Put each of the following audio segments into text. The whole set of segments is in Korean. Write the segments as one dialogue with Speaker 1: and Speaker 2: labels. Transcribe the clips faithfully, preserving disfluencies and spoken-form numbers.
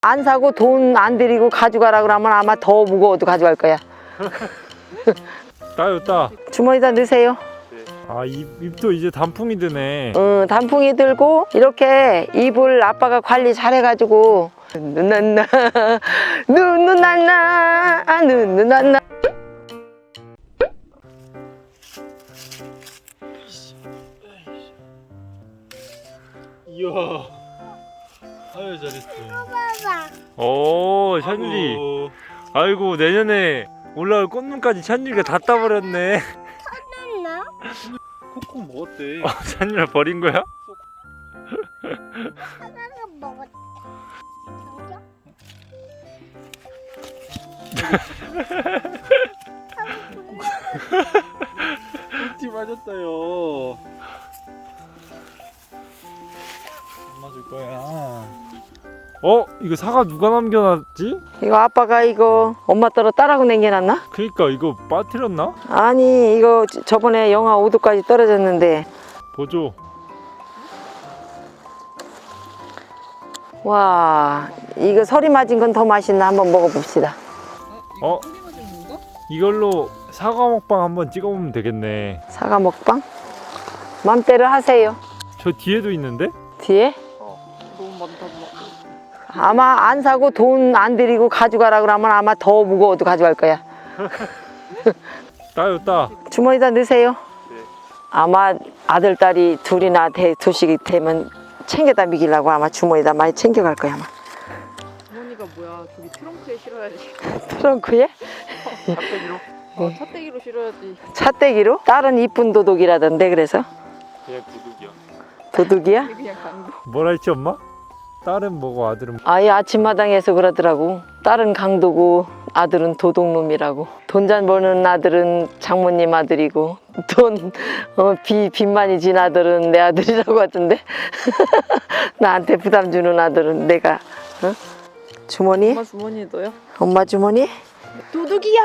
Speaker 1: 안 사고 돈 안 들이고 가져가라 그러면 아마 더 무거워도 가져갈 거야.
Speaker 2: 따요 따.
Speaker 1: 주머니에다 넣으세요.
Speaker 2: 아, 입, 입도 이제 단풍이 드네.
Speaker 1: 응, 단풍이 들고 이렇게 잎을 아빠가 관리 잘해가지고 눈난나 눈눈난나 아 눈눈난나.
Speaker 2: 이야, 아유 잘했어. 오, 찬율이. 아이고, 내년에 올라올 꽃눈까지 찬율이가 다 따버렸네.
Speaker 3: 나?
Speaker 2: 콩콩 먹었대. 아, 찬율아 버린 거야?
Speaker 3: 하나는 먹었다.
Speaker 2: 꿀티 맞았다요. 안 맞을 거야. 어? 이거 사과 누가 남겨놨지?
Speaker 1: 이거 아빠가 이거 엄마 따라 따라고 남겨놨나?
Speaker 2: 그니까 이거 빠뜨렸나?
Speaker 1: 아니 이거 저번에 영하 오 도까지 떨어졌는데
Speaker 2: 보조.
Speaker 1: 와 이거 서리 맞은 건 더 맛있나 한번 먹어봅시다.
Speaker 2: 어? 이걸로 사과 먹방 한번 찍어보면 되겠네.
Speaker 1: 사과 먹방? 맘대로 하세요.
Speaker 2: 저 뒤에도 있는데?
Speaker 1: 뒤에?
Speaker 3: 너무 많다.
Speaker 1: 아마 안 사고 돈 안 들이고 가져가라 그러면 아마 더 무거워도 가져갈 거야.
Speaker 2: 따요 따.
Speaker 1: 주머니에다 넣으세요.
Speaker 2: 네.
Speaker 1: 아마 아들 딸이 둘이나 대, 두씩이 되면 챙겨다 미기려고 아마 주머니에다 많이 챙겨갈 거야 아마.
Speaker 4: 주머니가 뭐야? 저기 트렁크에 실어야지.
Speaker 1: 트렁크에?
Speaker 2: 핫팩이로?
Speaker 4: 어, 찻대기로 실어야지.
Speaker 1: 찻대기로? 딸은 이쁜 도둑이라던데 그래서?
Speaker 2: 그냥 구독이야.
Speaker 1: 도둑이야?
Speaker 4: 그냥 강도.
Speaker 2: 뭐라 했지 엄마? 딸은 뭐고 아들은 뭐?
Speaker 1: 아예 아침마당에서 그러더라고. 딸은 강도고 아들은 도둑놈이라고. 돈 잘 버는 아들은 장모님 아들이고 돈 어, 비, 빚만이 진 아들은 내 아들이라고 하던데. 나한테 부담 주는 아들은 내가. 어? 주머니?
Speaker 4: 엄마 주머니에 넣어요?
Speaker 1: 엄마 주머니?
Speaker 4: 도둑이야!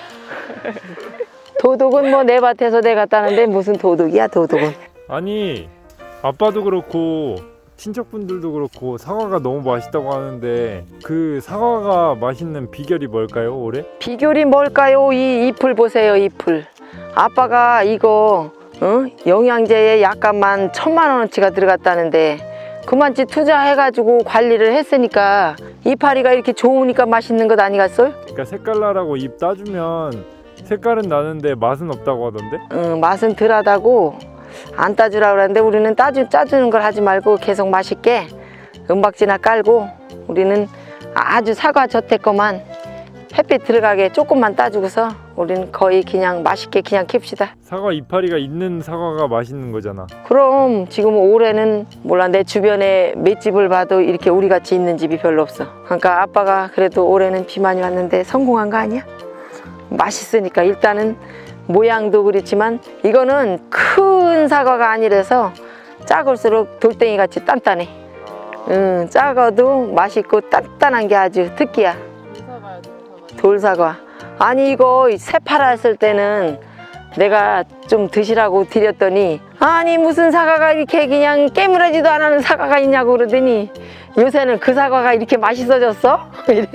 Speaker 1: 도둑은 뭐 내 밭에서 내가 따는데 무슨 도둑이야 도둑은.
Speaker 2: 아니 아빠도 그렇고 친척분들도 그렇고 사과가 너무 맛있다고 하는데 그 사과가 맛있는 비결이 뭘까요 올해?
Speaker 1: 비결이 뭘까요? 이 잎을 보세요 잎을. 아빠가 이거 어? 영양제에 약간만 천만 원어치가 들어갔다는데 그만치 투자해가지고 관리를 했으니까 이파리가 이렇게 좋으니까 맛있는 것 아니겠어요?
Speaker 2: 그러니까 색깔나라고 잎 따주면 색깔은 나는데 맛은 없다고 하던데?
Speaker 1: 응, 맛은 덜하다고 안 따주라 그러는데 우리는 따주, 짜주는 걸 하지 말고 계속 맛있게 은박지나 깔고 우리는 아주 사과 젖대거만 햇빛 들어가게 조금만 따주고서 우리는 거의 그냥 맛있게 그냥 킵시다.
Speaker 2: 사과 이파리가 있는 사과가 맛있는 거잖아.
Speaker 1: 그럼 지금 올해는 몰라 내 주변에 몇 집을 봐도 이렇게 우리같이 있는 집이 별로 없어. 그러니까 아빠가 그래도 올해는 비 많이 왔는데 성공한 거 아니야? 맛있으니까 일단은 모양도 그렇지만 이거는 큰 사과가 아니라서 작을수록 돌덩이 같이 단단해. 응, 작아도 맛있고 단단한 게 아주 특기야.
Speaker 4: 돌사과야, 돌사과.
Speaker 1: 돌사과. 아니 이거 새파랐을 때는 내가 좀 드시라고 드렸더니 아니 무슨 사과가 이렇게 그냥 깨물어지도 안 하는 사과가 있냐고 그러더니 요새는 그 사과가 이렇게 맛있어졌어?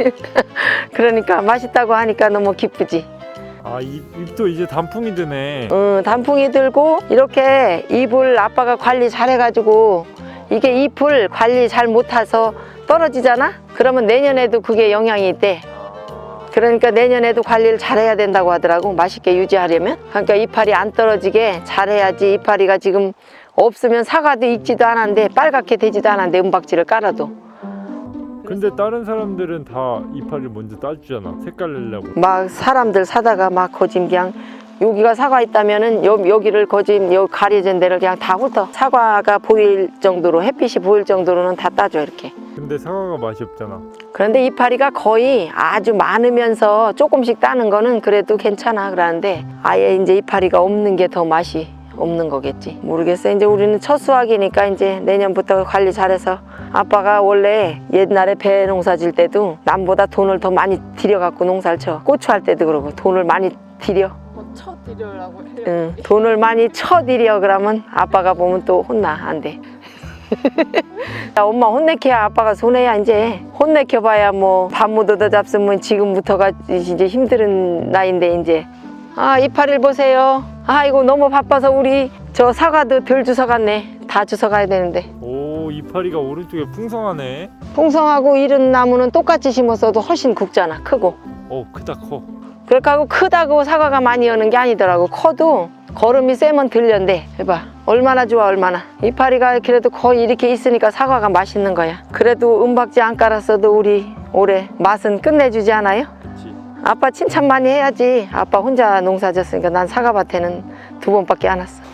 Speaker 1: 그러니까 맛있다고 하니까 너무 기쁘지.
Speaker 2: 아, 잎, 잎도 이제 단풍이 드네.
Speaker 1: 응, 단풍이 들고 이렇게 잎을 아빠가 관리 잘해가지고 이게 잎을 관리 잘 못해서 떨어지잖아? 그러면 내년에도 그게 영향이 있대. 그러니까 내년에도 관리를 잘해야 된다고 하더라고. 맛있게 유지하려면. 그러니까 이파리 안 떨어지게 잘해야지. 이파리가 지금 없으면 사과도 익지도 않았는데 빨갛게 되지도 않았는데 은박지를 깔아도.
Speaker 2: 근데 다른 사람들은 다 이파리를 먼저 따주잖아. 색깔 내려고.
Speaker 1: 막 사람들 사다가 막 거짐 그냥 여기가 사과 있다면은 여, 여기를 거짐 여 가려진 데를 그냥 다 훑어. 사과가 보일 정도로 햇빛이 보일 정도로는 다 따줘 이렇게.
Speaker 2: 근데 사과가 맛이 없잖아.
Speaker 1: 그런데 이파리가 거의 아주 많으면서 조금씩 따는 거는 그래도 괜찮아 그러는데 아예 이제 이파리가 없는 게 더 맛이 없는 거겠지. 모르겠어. 이제 우리는 첫 수확이니까 이제 내년부터 관리 잘해서 아빠가 원래 옛날에 배 농사 질 때도 남보다 돈을 더 많이 들여갖고 농사를 쳐. 고추 할 때도 그러고 돈을 많이 들여.
Speaker 4: 뭐 쳐드려라고 해요.
Speaker 1: 응, 돈을 많이 쳐들여 그러면 아빠가 보면 또 혼나. 안 돼. 야, 엄마 혼내켜야 아빠가 손해야. 이제 혼내켜봐야 뭐 밥 못 얻어 잡수면 지금부터가 이제 힘든 나이인데 이제. 아, 이파리를 보세요. 아이고 너무 바빠서 우리 저 사과도 덜 주워갔네. 다 주워가야 되는데.
Speaker 2: 오, 이파리가 오른쪽에 풍성하네.
Speaker 1: 풍성하고 이런 나무는 똑같이 심었어도 훨씬 굵잖아. 크고.
Speaker 2: 오, 크다 커.
Speaker 1: 그렇게 하고 크다고 사과가 많이 여는 게 아니더라고. 커도 걸음이 세면 들련대. 해봐. 얼마나 좋아 얼마나. 이파리가 그래도 거의 이렇게 있으니까 사과가 맛있는 거야. 그래도 은박지 안 깔았어도 우리 올해 맛은 끝내주지 않아요?
Speaker 2: 그치.
Speaker 1: 아빠 칭찬 많이 해야지. 아빠 혼자 농사 졌으니까 난 사과밭에는 두 번밖에 안 왔어.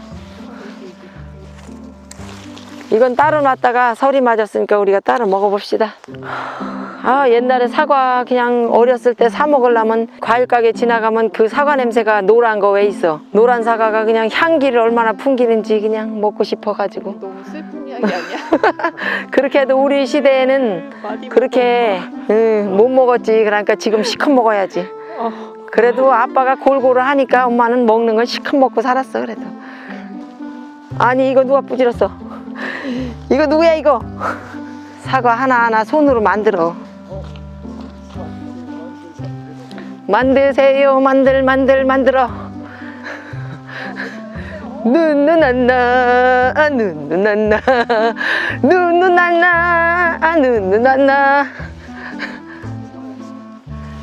Speaker 1: 이건 따로 놨다가 설이 맞았으니까 우리가 따로 먹어봅시다. 아, 옛날에 사과 그냥 어렸을 때 사 먹으려면 과일 가게 지나가면 그 사과 냄새가 노란 거 왜 있어? 노란 사과가 그냥 향기를 얼마나 풍기는지 그냥 먹고 싶어가지고.
Speaker 4: 너무 슬픈 이야기 아니야?
Speaker 1: 그렇게 해도 우리 시대에는
Speaker 4: 많이
Speaker 1: 그렇게 응, 못 먹었지. 그러니까 지금 시컷 먹어야지.
Speaker 4: 어.
Speaker 1: 그래도 아빠가 골고루 하니까 엄마는 먹는 건 시컷 먹고 살았어. 그래도. 아니 이거 누가 부질렀어? 이거 누구야 이거? 사과 하나하나 손으로 만들어. 만드세요. 만들 만들 만들어. 누누난나 아 누누난나 누누난나 아 누누난나